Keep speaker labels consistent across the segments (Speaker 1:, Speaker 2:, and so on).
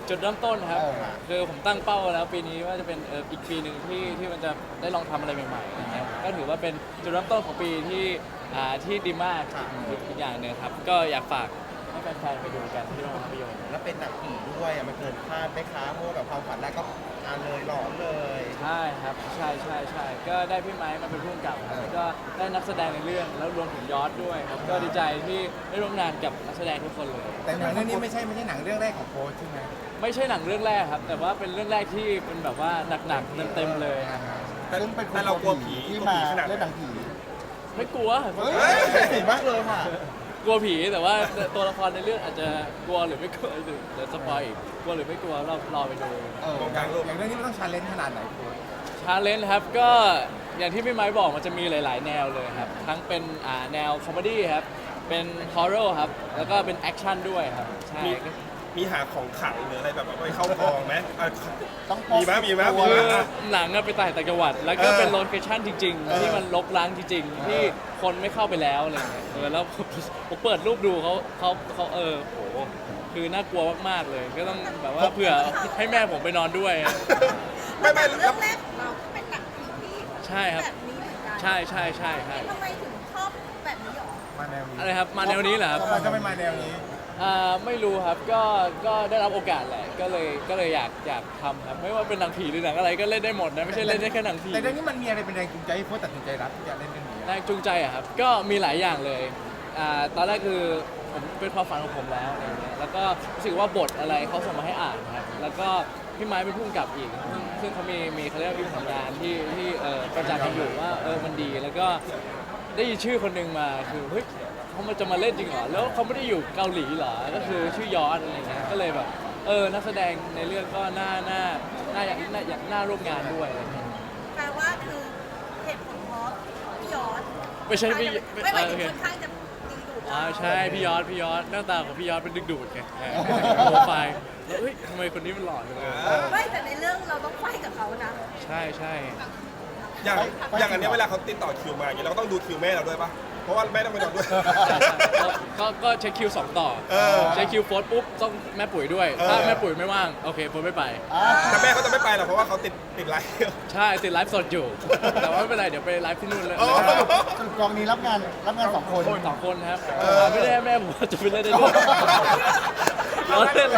Speaker 1: จุดเริ่มต้นครับคือผมตั้งเป้าแล้วปีนี้ว่าจะเป็นอีกปีหนึ่งที่มันจะได้ลองทำอะไรใหม่ๆนะครับก็ถือว่าเป็นจุดเริ่มต้นของปีที่ดีมากอีกอย่างหนึ่งครับก็อยากฝากให้แฟนๆไปดูกันที่โรงภาพยนตร์
Speaker 2: แล้วเป็นหนังผีด้วยมันเกินคาดไหมคะเพราะว่าแบบความฝันแรกก็อ่านเลยหลอนเลย
Speaker 1: ใช่ครับใช่ก็ได้พี่ไม้มาเป็นผู้กำกับครับแล้วก็ได้นักแสดงในเรื่องแล้วรวมถึงยอดด้วยครับก็ดีใจที่ได้ร่วมงานกับนักแสดงทุกคนเลย
Speaker 3: แต่หนังเรื่องนี้ไม่ใช่หนังเรื่องแรกของโค้ชใช่ไหม
Speaker 1: ไม่ใช่หนังเรื่องแรกครับแต่ว่าเป็นเรื่องแรกที่เป็นแบบว่าหนักๆเต็มๆเลย
Speaker 3: ซึ่งเป็นคน
Speaker 4: แต่เรากลัวผี
Speaker 3: ที่
Speaker 4: กลัว
Speaker 3: มา
Speaker 4: ผีขนาดไหน
Speaker 3: เล่นหนังผี
Speaker 1: ไม่กลัว
Speaker 3: เฮ้ยเห็นมากเลยค่ะ
Speaker 1: กลัวผีแต่ว่าตัวละครในเรื่องอาจจะกลัวหรือไม่กลัวหรือเดี๋ยวสปอยอีกกลัวหรือไม่กลัวเรารอไปดู
Speaker 3: อย่างเรื่องนี้มันต้องชาเลนจ์ขนาดไหนโค้ช
Speaker 1: ชาเลนจ์ครับก็อย่างที่พี่ไม้บอกมันจะมีหลาย ๆ แนวเลยครับทั้งเป็นแนวคอมเมดี้ครับเป็นฮอร์เรอร์ครับแล้วก็เป็นแอคชั่นด้วยครับใช่
Speaker 4: มีหาของขลังหรืออะไรแบบว่าไปเข้ากองไหม
Speaker 3: ต้อง
Speaker 4: มีไหม
Speaker 1: คือหนังอะไปต่างจังหวัดแล้วก็เป็นโลเคชั่นจริง ๆ ที่มันรกร้างจริง ๆ ที่คนไม่เข้าไปแล้วอะไรเงี้ยแล้วผมเปิดรูปดูเขาโหคือน่ากลัวมากๆเลย ก็ต้องแบบว่าเผื่อให้แม่ผมไปนอนด้วย
Speaker 4: ไม่
Speaker 5: เรื่องแรกของเราก็เป็นหนังผีที่
Speaker 1: ใช่ครับ
Speaker 5: แบบนี้เหมือนกัน
Speaker 1: ใช่
Speaker 5: ทำไมถึงชอบแบบนี้หรอ
Speaker 3: มาแนวนี้
Speaker 1: อะไรครับมาแนวนี้เหรอครับ
Speaker 3: ทำไมก็ไม่มาแนวนี้
Speaker 1: ไม่รู้ครับก็ได้รับโอกาสแหละก็เลยอยากทำครับไม่ว่าเป็นหนังผีหรือหนังอะไรก็เล่นได้หมดนะไม่ใช่เล่นได้แค่หนังผี
Speaker 3: แต่เรื่องนี้มันมีอะไรเป็นแรงจูงใจให้โค้ชตัดสินใจรับที่จะเล่นเรื่องนี้
Speaker 1: แรงจูงใจอะครับก็มีหลายอย่างเลยตอนแรกคือผมเป็นความฝันของผมแล้วอะไรเงี้ยแล้วก็รู้สึกว่าบทอะไรเขาส่งมาให้อ่านครับแล้วก็พี่ไม้เป็นผู้กำกับอีกซึ่งเขามีเขาเรียกว่ามีผลงานที่ประจักษ์กันอยู่ว่ามันดีแล้วก็ได้ยินชื่อคนหนึ่งมาคือเฮ้ยเขาจะมาเล่นจริงเหรอแล้วเขาไม่ได้อยู่เกาหลีเหรอก็คือชื่อยอดอะไรเงี้ยก็เลยแบบนักแสดงในเรื่องก็น่าอยากน่าร่วมงานด้วยอะไรเงี้ย
Speaker 5: แปลว่าคือเหตุผลเพราะพี่ยอด
Speaker 1: ไม่ใช่พี่
Speaker 5: ไม่หมายถึง
Speaker 1: โอเค
Speaker 5: ค่อนข้างจะดึงดูด
Speaker 1: ใช่พี่ยอดหน้าตาของพี่ยอดเป็นดึกดูดไงโปรไฟล์แล้วเฮ้ยทำไมคนนี้มันหล่อจังเลย
Speaker 5: ไม่แต่ในเรื่องเราต้องไฟกับเขานะ
Speaker 1: ใช่
Speaker 4: อย่างอันเนี้ยเวลาเขาติดต่อคิวมาอย่างเงี้ยเราก็ต้องดูคิวแม่เราด้วยปะเพราะว่าแม่ต้องไปนอนด้วย
Speaker 1: ก็เช็คคิว2ต่อเช็คคิวโฟร์ปุ๊บต้องแม่ปุ๋ยด้วยถ้าแม่ปุ๋ยไม่ว่างโอเคโฟร์ไม่ไป
Speaker 4: แต่แม่เขาจะไม่ไปหรอกเพราะว่าเขาติดไลฟ์
Speaker 1: ใช่ติดไลฟ์สดอยู่ แต่ว่าไม่เป็นไรเดี๋ยวไปไลฟ์ที่นู่นเลย
Speaker 3: สรุปกองนี้รับงานสองคน
Speaker 1: สองคนครับไม่ได้ให้แม่ผมจะไปเล่นได้ด้วยเราเล่น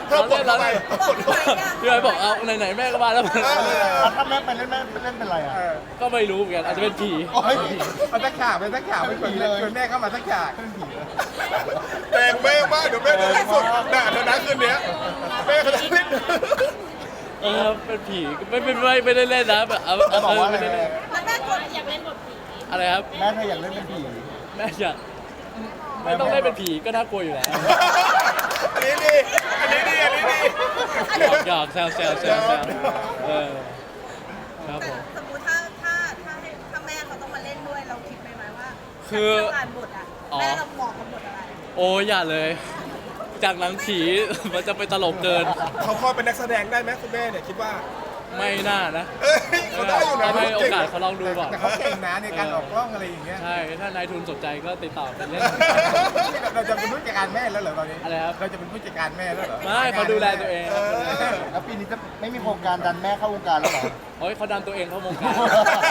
Speaker 1: พี่ไอ้บอกเอาไหนๆแม่ก็มาแล้ว
Speaker 3: ถ้าแม่ไปเล่นแม่เล่นเป็นไรอ่ะ
Speaker 1: ก็ไม่รู้เหมือนกันอาจจะเป็นผี
Speaker 3: โอ้ยมันสักข่าวเป็นผีเลยแม่เข้ามาสักข่าวเป็นผีเลย
Speaker 4: แต่งแม่มากเดี๋ยวแม่จะไลฟ์สดด่าเธอนะคืนเนี้ยแม่เขาจะเล่น
Speaker 1: เป็นผีไม่ได้เล่นนะแบบไม่ได้เล่น
Speaker 5: แล้วแม่กดอยากเล่นบทผี
Speaker 1: อะไรครับ
Speaker 3: แม่เธออยากเล่นเป็นผี
Speaker 1: แม่อยากไม่ต้องเล่นเป็นผีก็น่ากลัวอยู่แล้ว
Speaker 4: อันนี้ดี
Speaker 1: หยอกแซวครับผม
Speaker 5: สมมติถ้าแม่เขาต้องมาเล่นด้วยเราคิดไหมว่า
Speaker 1: คือ
Speaker 5: การอ่านบทอ่ะแม่เราเหมาะกับบทอะไร
Speaker 1: โอ้อย่าเลย จากหนังผีมันจะไปตลกเกิน
Speaker 4: เขาพอเป็นนักแสดงได้ไหมคุณแม่เนี่ยคิดว่า
Speaker 1: ไม่น่านะ
Speaker 4: เขาได้อยู่นะ
Speaker 1: ให้โอกาสเขาลองดูก่อน
Speaker 3: แต่เขาเก่งนะในการออกกล้องอะไรอย่างเงี้ย
Speaker 1: ใช่ถ้านายทุนสนใจก็ติดต่อไปเล่น
Speaker 3: เราจะเป็นผู้จัดการแม่แล้วเหรอตอนนี้
Speaker 1: อะไรครับ
Speaker 3: เราจะเป็นผู้จัดการแม่แล้วเหรอ
Speaker 1: ไม่เขาดูแลตัวเองครับ
Speaker 3: แล้วปีนี้จะไม่มีโครงการดันแม่เข้าวงการแล้วเหรอ
Speaker 1: โอ้ยเขาดันตัวเองเข้าวงการ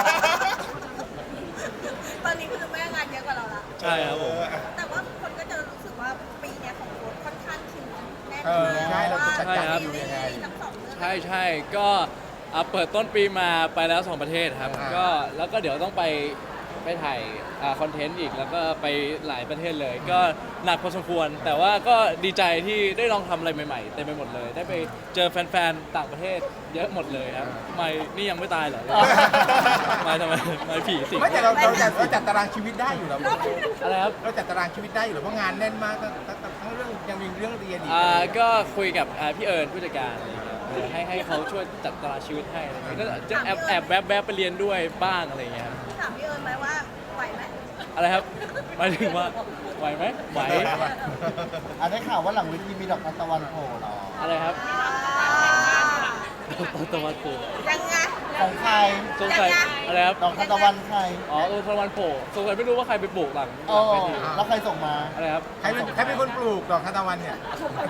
Speaker 5: ตอนนี้คือแม่งานเยอะกว่าเราละ
Speaker 1: ใช่ครับผม
Speaker 5: แต่ว่าคนก็จะรู้สึกว่าปีเนี้ยของโค้ชค่อนข้างคิวแน่น
Speaker 3: ใช่เราจะจัดการ
Speaker 5: ซี
Speaker 3: อยู่
Speaker 5: รี
Speaker 3: ยังไง
Speaker 5: ส์ทั้งสองเรื่อง
Speaker 1: ใช่ก็เปิดต้นปีมาไปแล้ว2ประเทศครับ
Speaker 3: อ่า
Speaker 1: ก็แล้วก็เดี๋ยวต้องไปถ่ายคอนเทนต์อีกแล้วก็ไปหลายประเทศเลย ก็หนักพอสมควร แต่ว่าก็ดีใจที่ได้ลองทำอะไรใหม่ๆเต็มไปหมดเลย ได้ไปเจอแฟนๆต่างประเทศเยอะหมดเลยครับไม่นี่ยังไม่ตายเหรอไม่ทำไมไม่ผีสิง
Speaker 3: ไม่แต่เราจัดตารางชีวิตได้อยู่แล้ว
Speaker 1: อะไรครับ
Speaker 3: เราจัดตารางชีวิตได้อยู่แล้วเพราะงานแน่นมากทั้งเรื่องยังมีเรื่องเรียนอีก
Speaker 1: ก็คุยกับพี่เอิญผู้จัดการอะไรอย่างเงี้ยให้เขาช่วยจัดตารางชีวิตให้อะไรอย่างเงี้ยก็จะแอบแวบไปเรียนด้วยบ้างอะไรอย่างเงี้ยครับ
Speaker 5: ถามพี่เอิญไหมว่าไหวไหม
Speaker 1: อะไรครับหมายถึงว่าไหวไหมไหว
Speaker 3: ได้ข่าวว่าหลังเวทีมีดอกทานตะวันโผล่เหรอ
Speaker 1: อะไรครับตะวันตก
Speaker 5: ยังไง
Speaker 2: ของใคร
Speaker 1: สงสัยอะไรครับ
Speaker 2: ดอกทานตะวันใคร
Speaker 1: อ๋อตะวันโผล่สงสัยไม่รู้ว่าใครไปปลูกหลัง
Speaker 2: อ๋อ
Speaker 1: เวที
Speaker 2: แล้วใครส่งมา
Speaker 1: อะไรครับ
Speaker 3: ใครเป็นคนปลูกดอกทานตะวันเนี่ย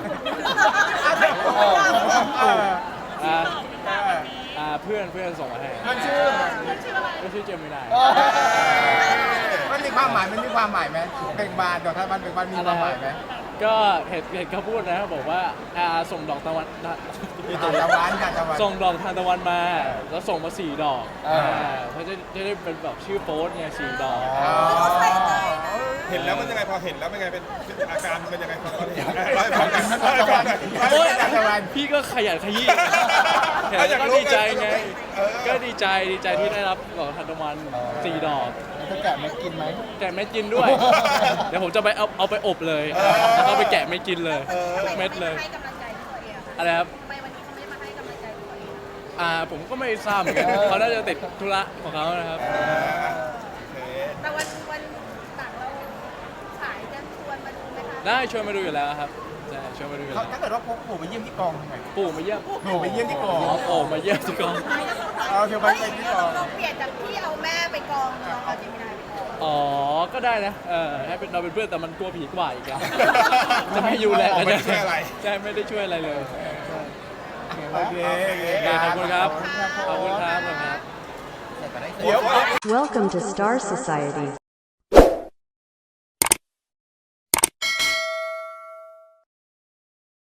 Speaker 2: เออ
Speaker 1: อ่า
Speaker 3: เออ
Speaker 1: เพื่อนส่งมาให้
Speaker 2: มันชื่อ
Speaker 1: ก็ชื่อเจมินาย
Speaker 2: เออ
Speaker 3: มันมีความหมายไหมเบ่งบานดอกทานตะวันเบ่งบานมีความหมายไหม
Speaker 1: ก็เห็นเขาพูดนะบอกว่าส่งดอกตะวัน
Speaker 3: ทานตะวัน
Speaker 1: ส่งดอกทานตะวันมา แล้วส่งมา4 ดอกเขาจะได้เป็นแบบชื่อโป๊สไง4 ดอก
Speaker 5: ใส่ใจนะ
Speaker 4: เห็นแล้วมันยังไงพอเห็นแล้วเป็นไงเป็นอาการเป็นยังไงพอเห็นร้อยฟังกันร้อยฟังกัน
Speaker 1: โอ๊ยพี่ก็ขยันขยี้เห็นแล้วก็ดีใจไง ก็ดีใจที่ได้รับดอกทานตะวัน4 ดอก
Speaker 2: แล้วจะแกะไม่กินไหม
Speaker 1: แกะเม็ดกินด้วย เดี๋ยวผมจะไปเอาไปอบเลย แล้วก็ไปแกะไม่กินเลยทุกเม็ดเลย
Speaker 5: ให้กำลังใจตัวเองอะ
Speaker 1: อะไรครับ
Speaker 5: ทำไมวันนี้เขาไม่มาให้กำลังใจตัวเองอะ
Speaker 1: ผมก็ไม่ทราบเหมือนกันเขาน่าจะติดธุระของเขานะครับ
Speaker 5: แต่วันหลังเราขายจะชวนมาดูไหมคะ
Speaker 1: ได้ชวนมาดูอยู่แล้วครับใช่ชวนมาดูอยู่แล้ว
Speaker 3: ถ้าเกิดว่าพกปู่ไปเยี่ยมที่กองทำไง
Speaker 1: ปู่มาเยี่ยม
Speaker 3: ปู่ไปเยี่ยมที่กอง
Speaker 1: โอ้มาเยี่ยมที่กอง
Speaker 3: เอาเธอไปที่กอง
Speaker 5: เราเปลี่ยนจากที่เอาแม่ไปกองเราเอาเจมินายไปกอง
Speaker 1: อ๋อ ก็ได้นะ ให้เป็นเราเป็นเพื่อนแต่มันกลัวผีกว่าอีกอะจะไม่อยู่แหละ
Speaker 4: ไม่ได้ช่วยอะไร
Speaker 1: ใช่ไม่ได้ช่วยอะไรเลย
Speaker 3: โอเค
Speaker 1: ขอบคุณครับ ขอบคุณครับ
Speaker 2: แต่ก็ได้
Speaker 3: เดี๋ยว
Speaker 6: Welcome to Star Society.